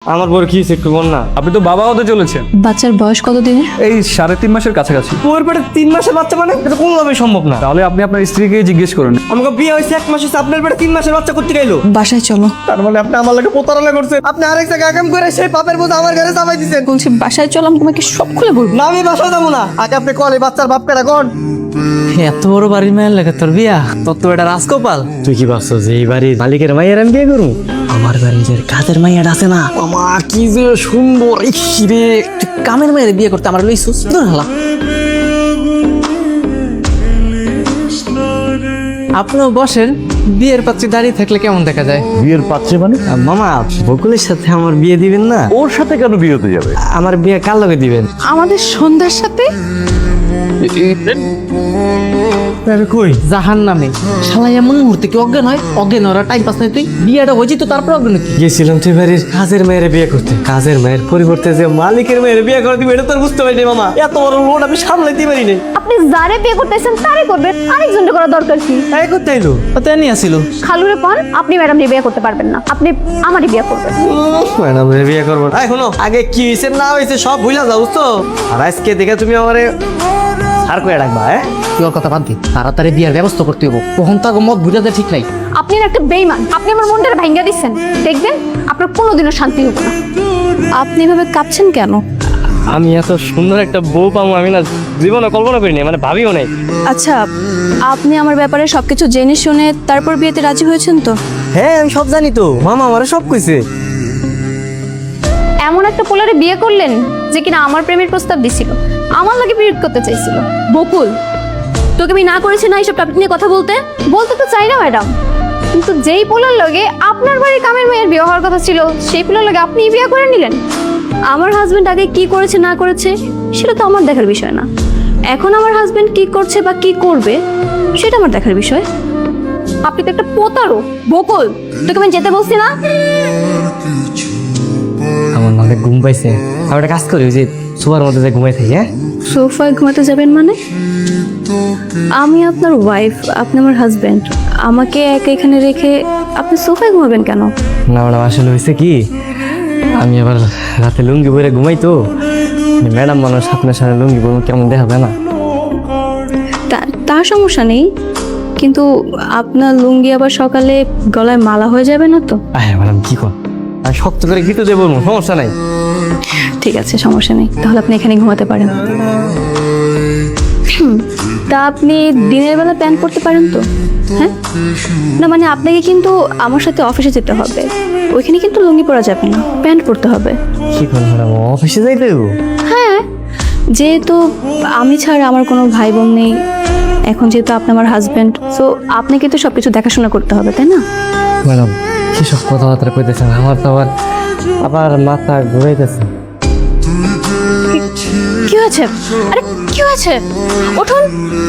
আমার বড় কি হয়েছে একটু বল না। আপনি তো বাবা হতে চলেছেন। বাচ্চার বয়স কত দিনের? এই 3.5 মাসের কাছাকাছি। তোর পেটে 3 মাসের বাচ্চা মানে এটা কোনোভাবেই সম্ভব না। তাহলে আপনি আপনার স্ত্রীকে জিজ্ঞেস করুন। আমাকে বিয়ে হয়েছে 1 মাস হয়েছে, আপনার পেটে 3 মাসের বাচ্চা করতে গেলো। বাসায় চলো। তার মানে আপনি আমার লাগে প্রতারণা করছেন। আপনি আরেক জায়গায় আগাম করে সেই পাপের বোঝা আমার ঘরে চাপাই দিচ্ছেন। বলছি বাসায় চলো, আমি তোমাকে সব খুলে বলবো। না আমি বাসায় যাবো না। আগে আপনি কল এই বাচ্চার বাপ কেডা কোন? এত বড় বাড়ির মায়ের লাগে তোর বিয়া? তোর তো এটা রাজকপাল। তুই কি ভাবছো যে এই বাড়ির মালিকের মাইয়ের আমি বিয়ে করবো? আমার বাড়ির যে কাজের মাইয়াটা আছে না, মামা কি যে সুন্দর। রে তুই কামের মায়ের বিয়ে করতে আমার লইছুস? দূর হালা। আপনিও বসেন, বিয়ের পাত্রী দাঁড়িয়ে থাকলে কেমন দেখা যায়? বিয়ের পাত্রে মানে? মামা বকুলের সাথে আমার বিয়ে দিবেন না? ওর সাথে কেন বিয়ে হতে যাবে? আমার বিয়ে কার লগে দিবেন? আমাদের সন্ধ্যার সাথে কই জাহান নামে শালা এমন মুহূর্তে কি অজ্ঞান হয়? অজ্ঞান ওরা টাইম পাস নাই। তুই বিয়েটা হয়েছি তো তারপর অজ্ঞান কি? গেছিলাম তুই বাড়ির কাজের মেয়ের বিয়ে করতে, কাজের মেয়ের পরিবর্তে যে মালিকের মেয়ের বিয়ে করে দিবে এটা তো আর বুঝতে পারিনি মামা। এত বড় লোন আমি সামলাইতে পারি নাই। আপনি যারে বিয়ে করতেছেন তারে করবেন, আরেকজনকে করা দরকার কি? তাই করতে এলো তো নিয়ে আসিল। খালুরে পান আপনি ম্যাডাম বিয়ে করতে পারবেন না, আপনি আমারই বিয়ে করবেন। ম্যাডাম বিয়ে করবো না। শোনো আগে কি হয়েছে না হয়েছে সব ভুলা যাও তো। আর আজকে দেখে তুমি আমারে আর কয়ে রাখবা। তুই ওর কথা বাদ দি, তাড়াতাড়ি বিয়ের ব্যবস্থা করতে হবো। কখন তার মত বুঝাতে ঠিক নাই। আপনি না একটা বেইমান, আপনি আমার মনটা ভাঙ্গা দিচ্ছেন। দেখবেন আপনার কোনোদিনও শান্তি হবে না। আপনি এভাবে কাঁপছেন কেন? আমি এত সুন্দর একটা বউ পাবো আমি না জীবনে কল্পনা করিনি, মানে ভাবিও নাই। আচ্ছা, আপনি আমার ব্যাপারে সবকিছু জেনে শুনে তারপর বিয়েতে রাজি হয়েছেন তো? হ্যাঁ আমি সব জানি তো, মামা আমারে সব কইছে। এমন একটা পোলারে বিয়ে করলেন যে কিনা আমার প্রেমের প্রস্তাব দিছিল, আমার লাগে বিয়ে করতে চাইছিল। বকুল, তোকে আমি না করেছি না এইসব টপিক নিয়ে কথা বলতে? বলতে তো চাই না ম্যাডাম, কিন্তু যেই পোলার লগে আপনার বাড়ির কামের মেয়ের বিয়ে হওয়ার কথা ছিল সেই পোলার লগে আপনি বিয়ে করে নিলেন। আমার হাজবেন্ড আগে কি করেছে না করেছে সেটা তো আমার দেখার বিষয় না। এখন আমার হাজবেন্ড কি করছে বা কি করবে সেটা আমার দেখার বিষয়। আপনি তো একটা প্রতারক। বকুল, তোকে আমি যেতে বলছি না? আমার মানে ঘুম পাইছে, আমি একটা কাজ করি ওই যে সুপার মধ্যে যে ঘুমাই থাকি। হ্যাঁ সোফায় ঘুমাতে যাবেন মানে? আমি আপনার ওয়াইফ, আপনি আমার হাজবেন্ড। আমাকে একা এখানে রেখে আপনি সোফায় ঘুমাবেন কেন? না ম্যাডাম আসলে হয়েছে কি, আমি আবার রাতে লুঙ্গি পরে ঘুমাই তো। ম্যাডাম মানুষ আপনার সাথে লুঙ্গি পরে কেমন দেখাবে না? তার সমস্যা নেই, কিন্তু আপনার লুঙ্গি আবার সকালে গলায় মালা হয়ে যাবে না তো? হ্যাঁ ম্যাডাম কি কর, আমি শক্ত করে গিতে দেবো, সমস্যা নাই। ঠিক আছে, সমস্যা নেই, তাহলে আপনি এখানে ঘুমাতে পারেন। তা আপনি দিনের বেলা প্যান্ট পরতে পারেন তো? হ্যাঁ না, মানে আপনাকে কিন্তু আমার সাথে অফিসে যেতে হবে, ওইখানে কিন্তু লুঙ্গি পরা যাবে না, প্যান্ট পরতে হবে। কি কর ম্যাডাম, অফিসে যাইতে দেবো? হ্যাঁ, যেহেতু আমি ছাড়া আমার কোনো ভাই বোন নেই, এখন যেহেতু আপনি আমার হাজবেন্ড, সো আপনাকে তো সব কিছু দেখাশোনা করতে হবে, তাই না? ম্যাডাম কি সব কথাবার্তা কইতেছেন, আমার তো আবার মাথা ঘুরাইতেছে। কি হয়েছে? আরে কি হয়েছে? উঠুন,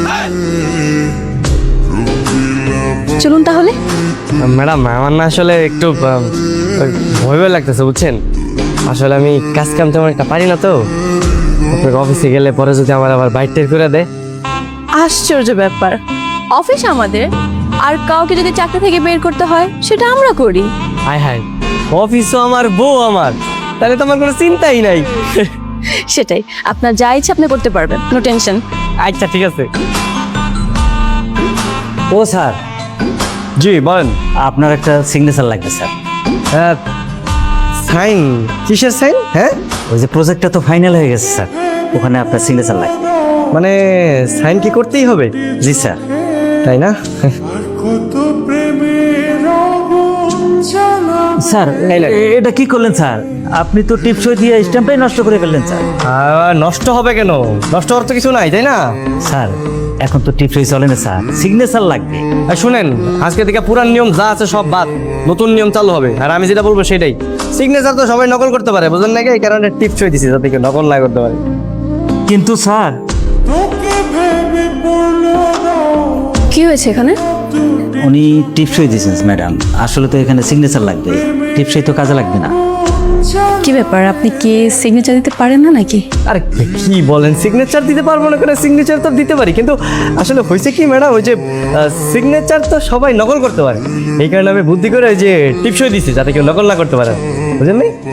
চলুন তাহলে। ম্যাডাম আমার না আসলে একটু ভয় ভয় লাগতেছে বুঝছেন। আসলে আমি কাজ কাম তেমন একটা পারি না তো। আপনার অফিসে গেলে পরে যদি আমার আবার বাইট টের করে দেয়। আশ্চর্য ব্যাপার, অফিস আমাদের, আর কাউকে যদি চাকরি থেকে বের করতে হয় সেটা আমরা করি। হায় হায়, অফিসও আমার, বউ আমার, তাহলে তো আমার কোনো চিন্তাই নাই। সেটাই, আপনার যা ইচ্ছা আপনি করতে পারবেন, নো টেনশন। আচ্ছা ঠিক আছে। ও স্যার। জি বলেন। আপনার একটা সিগনেচার লাগবে স্যার। হ্যাঁ সাইন? কিসের সাইন? হ্যাঁ ওই যে প্রজেক্টটা তো ফাইনাল হয়ে গেছে স্যার, ওখানে আপনার সিগনেচার লাগবে। মানে সাইন কি করতেই হবে? জি স্যার। তাই না? স্যার এটা কি করলেন স্যার? আপনি তো টিপসই দিয়ে স্ট্যাম্পটাই নষ্ট করে ফেললেন স্যার। নষ্ট হবে কেন? নষ্ট হওয়ার তো কিছু নাই, তাই না? স্যার এখন তো টিপসই চলে না স্যার, সিগনেচার লাগবে। আর শুনেন, আজকে থেকে পুরান নিয়ম যা আছে সব বাদ, নতুন নিয়ম চালু হবে। আর আমি যেটা বলবো সেটাই। সিগনেচার তো সবাই নকল করতে পারে, বুঝলেন নাকি? এই কারণে টিপসই দিছি যাতে কেউ নকল না করতে পারে। কিন্তু স্যার কি হয়েছে এখানে? উনি টিপসই দিয়েছেন ম্যাডাম, আসলে তো এখানে সিগনেচার লাগবে, টিপসই তো কাজে লাগবে না। কি ব্যাপার, আপনি কি সিগনেচার দিতে পারেন না নাকি? আরে কি বলেন, সিগনেচার দিতে পারবো না কেন? সিগনেচার তো দিতে পারি, কিন্তু আসলে হয়েছে কি ম্যাডাম, ওই যে সিগনেচার তো সবাই নকল করতে পারে, এই কারণে আমি বুদ্ধি করে ওই যে টিপসই দিছি যাতে কেউ নকল না করতে পারে, বুঝলেন?